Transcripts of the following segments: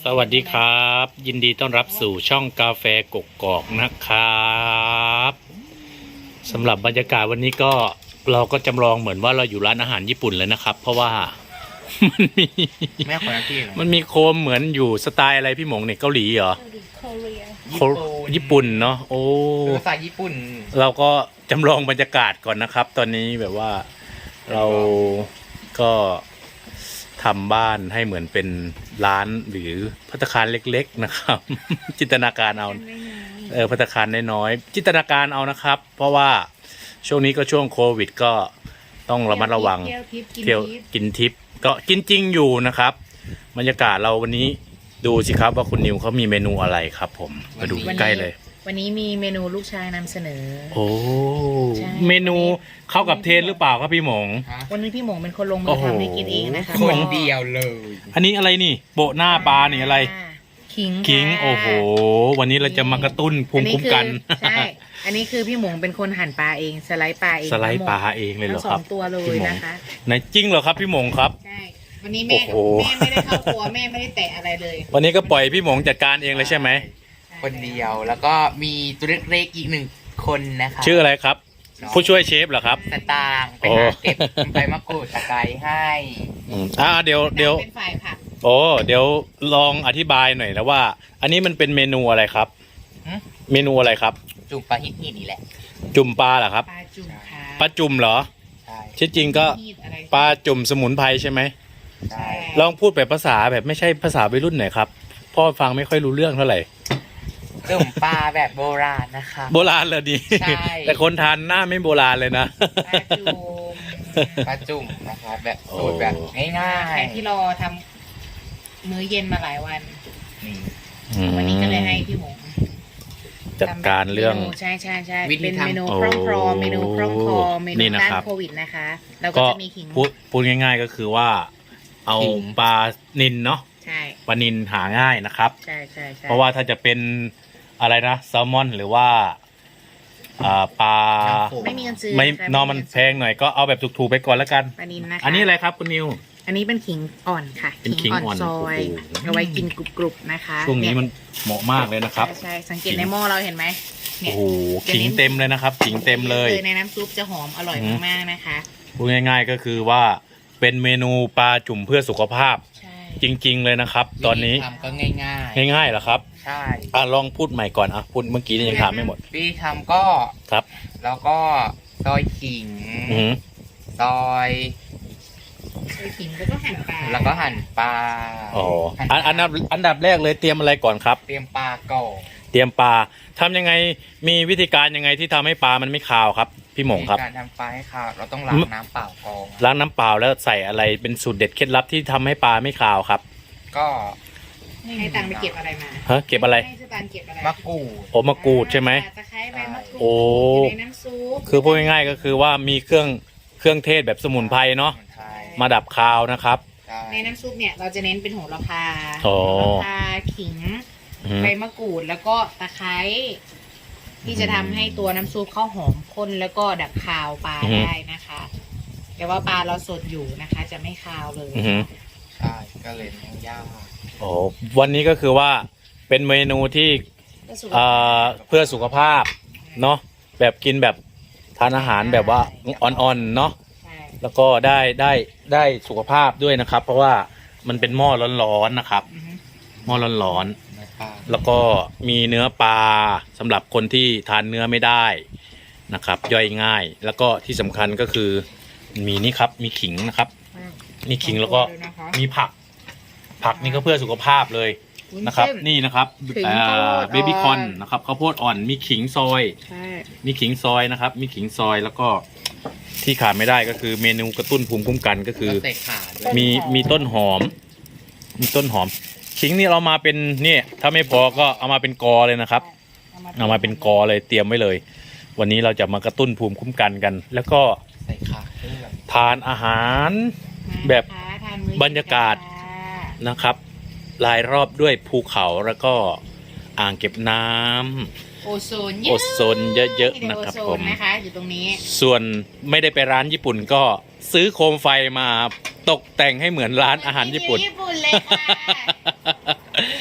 สวัสดีครับยินดีต้อนรับสู่ช่องกาแฟกกอกนะครับสำหรับบรรยากาศวันนี้ก็เราก็จำลองเหมือนว่าเราอยู่ร้านอาหารญี่ปุ่นเลยนะครับเพราะว่ามันมีแม่คนละที่เหรอมันมีโคมเหมือนอยู่สไตล์อะไรพี่หมงเนี่ยเกาหลีเหรอญี่ปุ่นเนาะโอ้ภาษาญี่ปุ่นเราก็จำลองบรรยากาศก่อนนะครับ ตอนนี้แบบว่าเราก็ทำบ้านให้เหมือนเป็นร้านหรือภัตตาคารเล็กๆนะครับ จินตนาการเอาภัตตาคารน้อยๆจินตนาการเอานะครับ เพราะว่าช่วงนี้ก็ช่วงโควิดก็ต้องระมัดระวังเที่ยวกินทิปก็กินจริงอยู่นะครับบรรยากาศเราวันนี้ดูสิครับว่าคุณนิวเขามีเมนูอะไรครับผมมาดูใกล้เลยวันนี้มีเมนูลูกชายนำเสนอโอ้ใช่เมนูเข้ากับเทรนหรือเปล่าครับพี่หมงวันนี้พี่หมงเป็นคนลงมืโอ้อโหทำให้กินเองนะคะคนเดียวเลยอันนี้อะไรนี่โปะหน้าปลานี่อะไรขิงขิงค่ะโอ้โหวันนี้เราจะมากระตุ้นภูมิคุ้มกันใช่อันนี้คือพี่หมงเป็นคนหั่นปลาเองสไลด์ปลาเองสไลด์ปลาเองเลยเหรอทั้งสคอรับงตัวเลพี่ยหมงนะคะไหนจริงเหรอครับพี่หมงครับใช่วันนี้แม่โอ้โหแม่ไม่ได้เข้าครัวแม่ไม่ได้แตะอะไรเลยวันนี้ก็ปล่อยพี่หมงจัดการเองเลยใช่ไหมคนเดียวแล้วก็มีตัวเล็กๆอีกหนึ่งคนนะคะชื่ออะไรครับ ผู้ช่วยเชฟเหรอครับสตางค์ไปโอ้หาเก็บใบมะกรูดตะไคร้ให้เดี๋ยวเป็นฝ่ายผักโอ้เดี๋ยวลองอธิบายหน่อยนะว่า อันนี้มันเป็นเมนูอะไรครับ เมนูอะไรครับจุ่มปลาฮิตนี่นี่แหละจุ่มปลาเหรอครับปลาจุ่มค่ะปลาจุ่มเหรอใช่ที่จริงก็มีดอะไรปลาจุ่มสมุนไพรใช่ไหมใช่ลองพูดแบบภาษาแบบไม่ใช่ภาษาวัยรุ่นหน่อยครับพ่อฟังไม่ค่อยรู้เรื่องเท่าไหร่จุ่มปลาแบบโบราณนะคะโบราณเลยดีใช่แต่คนทานหน้าไม่โบราณเลยนะปลาจุ่มปลาจุ่มนะคะแบบสูตรแบบง่าใครยที่รอทำมื้อเย็นมาหลายวันๆนี่วันนี้ก็เลยให้พี่หมงจัดการเรื่องใช่ใช่ใช่วิธีเป็นทำเมนูโอ้คล่องคลอเมนูคล่องคลอเมนูนี่นะต้านครับโควิดนะคะแล้วก็ก็จะมีขิงพูดง่าย ๆก็คือว่า เอาปลานิลเนาะใช่ปลานิลหาง่ายนะครับใช่ใช่ใช่เพราะว่าถ้าจะเป็นอะไรนะแซลมอนหรือว่าปลาไม่มีเงินซื้อไม่ค่ะนอมันแพงหน่อยก็เอาแบบถูกๆไปก่อนแล้วกันปลานินนะคะอันนี้อะไรครับคุณนิวอันนี้เป็นขิงอ่อนค่ะเป็นขิงอ่อนซอยโอ้โหเอาไว้กินกรุบๆนะคะช่วงนี้เยมันเหมาะมากเลยนะครับใช่ใช่สังเกตในหม้อเราเห็นไหมเนี่โอ้ยโหขิงเต็มเลยนะครับขิงเต็มเลยในน้ำซุปจะหอมอร่อยมากๆนะคะพูดง่ายๆก็คือว่าเป็นเมนูปลาจุ่มเพื่อสุขภาพใช่จริงๆเลยนะครับ ตอนนี้วิธีทำก็ง่ายง่ายๆเหรอครับๆใช่ลองพูดใหม่ก่อนพูดเมื่อกี้นี่ยังถามไม่หมดวิธีทำก็ครับแล้วก็ซอยขิงอือหือซอยใส่ขิงแล้วก็หั่นปลาแล้วก็หั่นปลาอ๋อหั่อันดับแรกเลยเตรียมอะไรก่อนครับเตรียมปลาก่อนเตรียมปลาทำยังไงมีวิธีการยังไงที่ทำให้ปลามันไม่คาวครับ พี่หมงครับการทำปลาให้ขาวเราต้องล้างน้ำเปล่าก่อนล้างน้ำเปล่าแล้วใส่อะไรเป็นสูตรเด็ดเคล็ดลับที่ทำให้ปลาไม่คาวครับก็ให้ตังค์ไปเก็บอะไรมาฮะเก็บอะไรให้สตางค์เก็บอะไรมะกรูดโอมะกรูดใช่ไหมตะไคร้ใบมะกรูดโอ้อยู่ในน้ำซุปคือพูดง่ายๆก็คือว่ามีเครื่องเทศแบบสมุนไพรเนาะสมุนไพรมาดับคาวนะครับใช่ในน้ำซุปเนี่ยเราจะเน้นเป็นโหระพาโอ้โหระพาขิงอือหือใบมะกรูดแล้วก็ตะไคร้ที่จะทำให้ตัวน้ำซุปข้าวหอมข้นแล้วก็ดับคาวปลาได้นะคะ แต่ว่าปลาเราสดอยู่นะคะ จะไม่คาวเลยอือหือใช่ก็เลยไม่ยากโอ้วันนี้ก็คือว่าเป็นเมนูที่เพื่อสุขภาพเนาะแบบกินแบบทานอาหารแบบว่าอ่อนๆเนาะใช่แล้วก็ได้สุขภาพด้วยนะครับ เพราะว่ามันเป็นหม้อร้อนๆนะครับอือฮึหม้อร้อนนะปลาๆแล้วก็มีเนื้อปลาสำหรับคนที่ทานเนื้อไม่ได้นะครับ ย่อยง่าย แล้วก็ที่สำคัญก็คือมีนี่ครับมีขิงนะครับนี่ขิงแล้วก็มีผักนี่ก็เพื่อสุขภาพเลยนะครับ นี่นะครับขิงข้าวโพดเบบี้คอนนะครับข้าวโพดอ่อนมีขิงซอยใช่มีขิงซอยนะครับ มีขิงซอยแล้วก็ที่ขาดไม่ได้ก็คือเมนูกระตุ้นภูมิคุ้มกันก็คือแล้วใส่ข่าด้วยมีต้นหอม มีต้นหอม ขิงนี่เรามาเป็นเนี่ยถ้าไม่พอก็เอามาเป็นกอเลยนะครับ เอามาเป็นกอเลยเตรียมไว้เลย วันนี้เราจะมากระตุ้นภูมิคุ้มกันกัน แล้วก็ใส่ข่าด้วยทานอาหาร แบบทานมื้อบรรยากาศ นะครับรายรอบด้วยภูเขาแล้วก็อ่างเก็บน้ำโอโซนโอโซนเยอะๆนะครับโอโซผมนะคะอยู่ตรงนี้ส่วนไม่ได้ไปร้านญี่ปุ่นก็ซื้อโคมไฟมาตกแต่งให้เหมือนร้านอาหารญี่ปุ่นญี่ปุ่นเลยค่ะ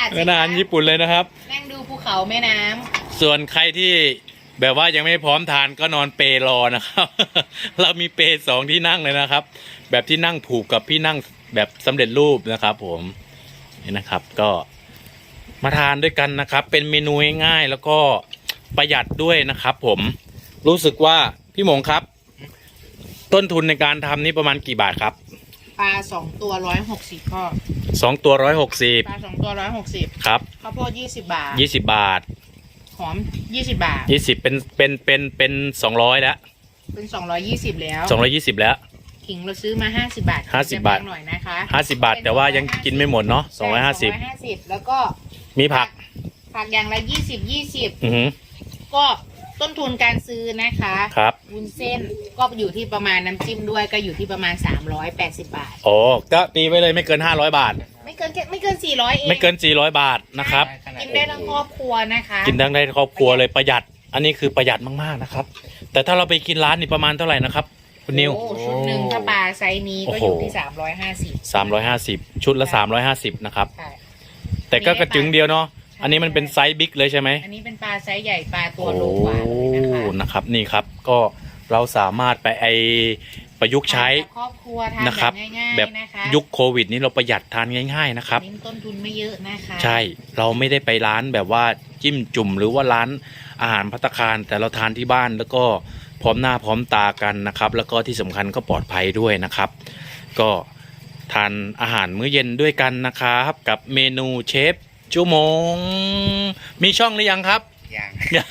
ศสิเป็นอาหารญี่ปุ่นเลยนะครับนั่งดูภูเขาแม่น้ำส่วนใครที่แบบว่ายังไม่พร้อมทานก็นอนเปรอนะครับ เรามีเปสองที่นั่งเลยนะครับ แบบที่นั่งผูกกับที่นั่งแบบสำเร็จรูปนะครับ ผมนี่นะครับก็มาทานด้วยกันนะครับ เป็นเมนูง่ายๆแล้วก็ประหยัดด้วยนะครับ ผมรู้สึกว่าพี่หมงครับ ต้นทุนในการทำนี่ประมาณกี่บาทครับปลา2 ตัว160พ่อ 2 ตัว160 ปลา2 ตัว160 ครับข้าวโพด20 บาท 20 บาทหอม20 บาท 20เป็น200แล้วเป็น220แล้ว 220แล้วขิงเราซื้อมา50 บาท 50 บาทจะแพงหน่อยนะคะ 50 บาทแต่ว่ายังกินไม่หมดเนาะ250 250แล้วก็มีผักอย่างละ20 อือหือก็ต้นทุนการซื้อนะคะครับวุ้นเส้นก็อยู่ที่ประมาณน้ำจิ้มด้วยก็อยู่ที่ประมาณ380 บาทโอ้ก็ตีไว้เลยไม่เกิน500 บาทไม่เกิน400เองไม่เกิน400 บาทนะครับกินได้ทั้งครอบครัวนะคะกินทั้งได้ครอบครัวเลยประหยัด อันนี้คือประหยัดมากๆนะครับ แต่ถ้าเราไปกินร้านนี่ประมาณเท่าไหร่นะครับคุณนิวโอ้ชุดหนึ่งถ้าปลาไซส์นี้ก็อยู่ที่350 ชุดละ350นะครับใช่แต่ก็กระจึงเดียวเนาะอันนี้มันเป็นไซส์บิ๊กเลยใช่ไหมอันนี้เป็นปลาไซส์ใหญ่ปลาตัวโลกว่าเลยนะคะนะครับนี่ครับก็เราสามารถไปประยุกต์ใช้ทานกับครอบครัวทานนะครับแบบง่ายๆแบบนะคะยุคโควิดนี้เราประหยัดทานง่ายๆนะครับเน้นต้นทุนไม่เยอะนะคะใช่เราไม่ได้ไปร้านแบบว่าจิ้มจุ่มหรือว่าร้านอาหารภัตตาคารแต่เราทานที่บ้านแล้วก็พร้อมหน้าพร้อมตากันนะครับ แล้วก็ที่สำคัญก็ปลอดภัยด้วยนะครับ ก็ทานอาหารมื้อเย็นด้วยกันนะครับกับเมนูเชฟจูหมงมีช่องหรือยังครับอย่าง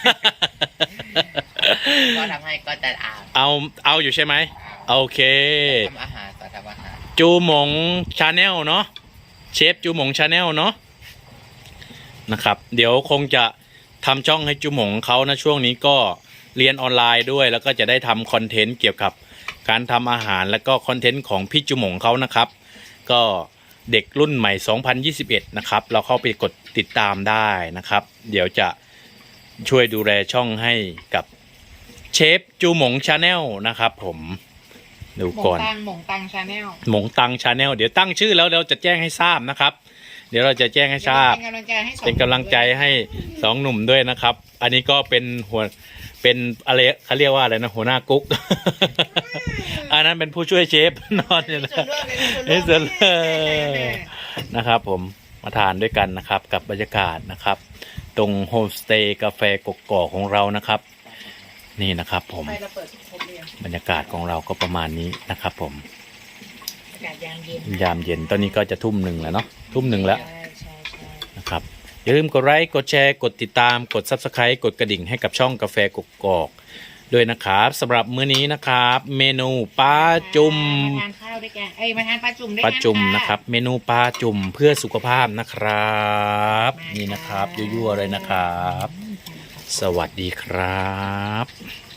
ก็ทำให้ก็จะอ่านเอาอยู่ใช่ไหมโอเคทำอาหารสอนทำอาหารจูหมงชาแนลเนาะเชฟจูหมงชาแนลเนาะนะครับเดี๋ยวคงจะทำช่องให้จูหมงเขานะช่วงนี้ก็เรียนออนไลน์ด้วย แล้วก็จะได้ทำคอนเทนต์เกี่ยวกับการทำอาหารแล้วก็คอนเทนต์ของพี่จูหมงเขานะครับ ก็เด็กรุ่นใหม่ 2021 นะครับเราเข้าไปกดติดตามได้นะครับ เดี๋ยวจะช่วยดูแลช่องให้กับเชฟจูหมงชาแนลนะครับผมดูหมงก่อนตังชาแนลหมงตังชาแนลเดี๋ยวตั้งชื่อแล้วเราจะแจ้งให้ทราบนะครับ เดี๋ยวเราจะแจ้งให้ทราบ เป็นกำลังใจให้สองหนุ่มด้วยนะครับ อันนี้ก็เป็นเป็นอะไรเขาเรียกว่าอะไรนะหัวหน้ากุ๊ก อันนั้นเป็นผู้ช่วยเชฟนอนอยู่นะนี่ส่วนนะครับผมมาทานด้วยกันนะครับ กับบรรยากาศนะครับ ตรงโฮมสเตย์กาแฟกกอกของเรานะครับ นี่นะครับผมไปเราเปิดครบเลยบรรยากาศของเราก็ประมาณนี้นะครับผมอากาศยามเย็นยามเย็นตอนนี้ก็จะทุ่มหนึ่งแล้วเนาะทุ่มหนึ่งแล้วใช่นะครับอย่าลืมกดไลค์กดแชร์กดติดตามกด Subscribe กดกระดิ่งให้กับช่องกาแฟกกอกด้วยนะครับสำหรับมื้อนี้นะครับ เมนูปลาจุ่มมาทานข้าวด้วยกันมาทานปลาจุ่มด้วยปกัลาจุ่มนะครับ เมนูปลาจุ่มเพื่อสุขภาพนะครับนี่นะครับยั่วๆเลยนะครับ สวัสดีครับ